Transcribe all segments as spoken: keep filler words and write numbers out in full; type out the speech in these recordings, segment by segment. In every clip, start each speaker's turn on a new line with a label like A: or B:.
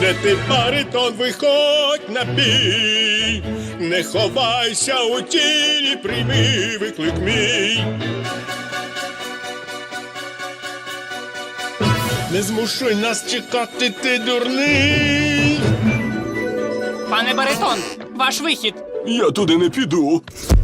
A: Де ти, баритон, виходь на бій, не ховайся у тіні, прийми виклик мій. Не змушуй нас чекати, ти дурний.
B: Пане баритон, ваш вихід.
C: Я туди не піду.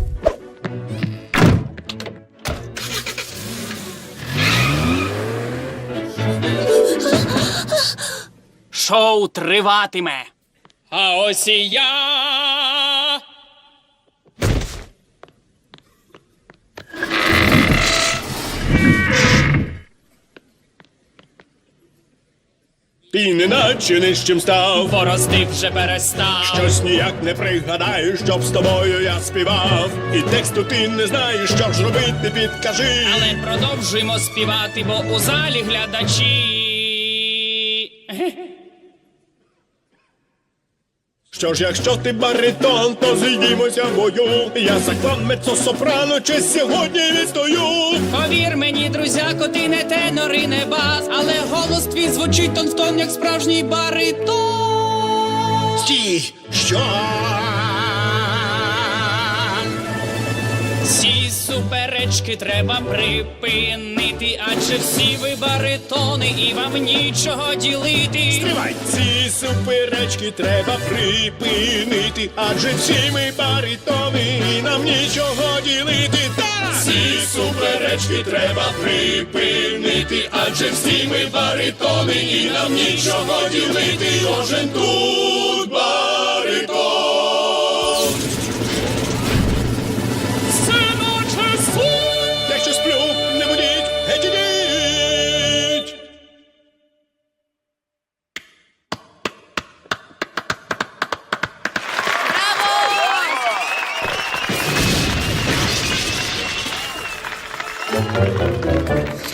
B: Шоу триватиме. А ось і я.
A: Ти неначе нижчим став,
B: Борозди вже перестав.
A: щось ніяк не пригадаю, щоб з тобою я співав. І тексту ти не знаєш, що ж робити, підкажи.
B: Але продовжуємо співати, бо у залі глядачі.
A: Що ж, якщо ти баритон, то зійдімося в бою. Я заклав меццо-сопрано, чи сьогодні відстою.
B: Повір мені, друзяко, ти не тенор і не бас, але голос твій звучить тон в тон, як справжній баритон.
A: Стій! Що?
B: Ці суперечки треба припинити, адже всі ви баритони і вам нічого ділити.
A: Стривай! Ці суперечки треба припинити, адже всі ми баритони і нам нічого ділити. Так! Ці суперечки треба припинити, адже всі ми баритони і нам нічого ділити. Кожен тут баритон. Якщо сплю, не будіть, геть ідіть!
B: Браво!